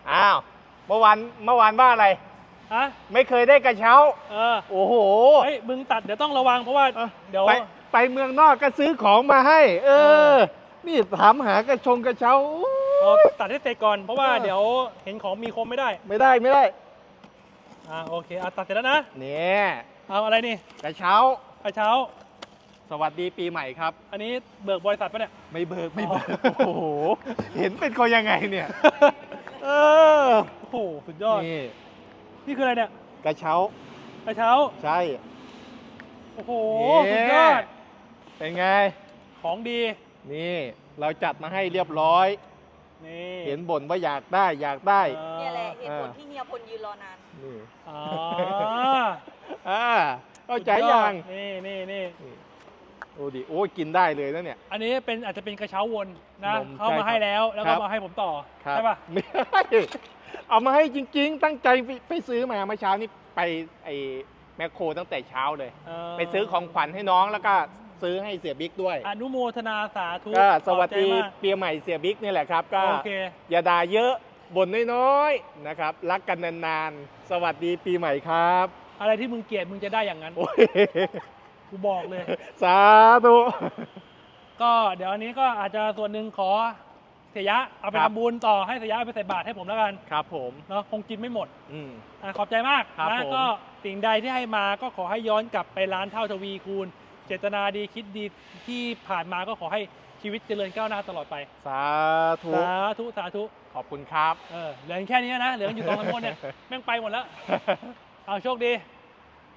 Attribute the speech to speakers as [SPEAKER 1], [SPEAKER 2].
[SPEAKER 1] อ้าวเมื่อวานว่าอะไร
[SPEAKER 2] ฮะ
[SPEAKER 1] ไม่เคยได้กระเช้า โอ้โห
[SPEAKER 2] เฮ้ยมึงตัดเดี๋ยวต้องระวังเพราะว่าเดี๋ยว
[SPEAKER 1] ไปเมืองนอกก็ซื้อของมาให้ นี่ถามหากระเช้า
[SPEAKER 2] ตัดให้เสร็จก่อนเพราะว่าเดี๋ยวเห็นของมีคมไม่ได้
[SPEAKER 1] ไม่ได้
[SPEAKER 2] โอเคตัดเสร็จแล้วนะ
[SPEAKER 1] เนี่ย
[SPEAKER 2] เอาอะไรนี่
[SPEAKER 1] กระเช้าสวัสดีปีใหม่ครับ
[SPEAKER 2] อันนี้เบิกบริษัทปะเนี่ย
[SPEAKER 1] ไม่เบิกโอ้โหเห็นเป็นคนยังไงเนี่ย
[SPEAKER 2] โอ้โหสุดยอดนี่คืออะไรเนี่ย
[SPEAKER 1] กระเช้าใช่
[SPEAKER 2] โอ้โหสุดยอด
[SPEAKER 1] เป็นไง
[SPEAKER 2] ของดี
[SPEAKER 1] นี่เราจัดมาให้เรียบร้อย
[SPEAKER 2] นี่
[SPEAKER 1] เห็นบ่นว่าอยากได้
[SPEAKER 3] เนี่ยแหละเหตุผลที่เฮียพลยืนรอนาน
[SPEAKER 1] นี่
[SPEAKER 2] อ๋อ
[SPEAKER 1] เข้าใจยัง
[SPEAKER 2] นี่
[SPEAKER 1] โอ้ดิโอ้กินได้เลยนะเนี่ย
[SPEAKER 2] อันนี้อาจจะเป็นกระเช้าวนนะเข้ามาให้แล้วก็มาให้ผมต่อใช่ป่ะ
[SPEAKER 1] ไม่เอามาให้จริงๆตั้งใจไปซื้อมาเมื่อเช้านี้ไปไอ้แมคโครตั้งแต่เช้าเลยไปซื้อของขวัญให้น้องแล้วก็ซื้อให้เสียบิ๊กด้วย
[SPEAKER 2] อนุโมทนาสาธุ
[SPEAKER 1] ก็สวัสดีปีใหม่เสียบิ๊กนี่แหละครับก็อย่าด่าเยอะบ่นน้อยๆนะครับรักกันนานๆสวัสดีปีใหม่ครับ
[SPEAKER 2] อะไรที่มึงเกลียดมึงจะได้อย่างนั้นกูบอกเลย
[SPEAKER 1] สาธุ
[SPEAKER 2] ก็เดี๋ยวอันนี้ก็อาจจะส่วนหนึ่งขอเสียยะเอาไปทำบุญต่อให้เสียยะเอาไปใส่บาตรให้ผมแล้วกัน
[SPEAKER 1] ครับผม
[SPEAKER 2] เนาะคงกินไม่หมดขอบใจมาก
[SPEAKER 1] นะ
[SPEAKER 2] ก็สิ่งใดที่ให้มาก็ขอให้ย้อนกลับไปล้านเท่าทวีคูณเจตนาดีคิดดีที่ผ่านมาก็ขอให้ชีวิตเจริญก้าวหน้าตลอดไป
[SPEAKER 1] สาธุ
[SPEAKER 2] ข
[SPEAKER 1] อบคุณครับ
[SPEAKER 2] เหลือแค่นี้นะเหลืออยู่2-3คนเนี่ยแม่งไปหมดแล้วเอาโชคดี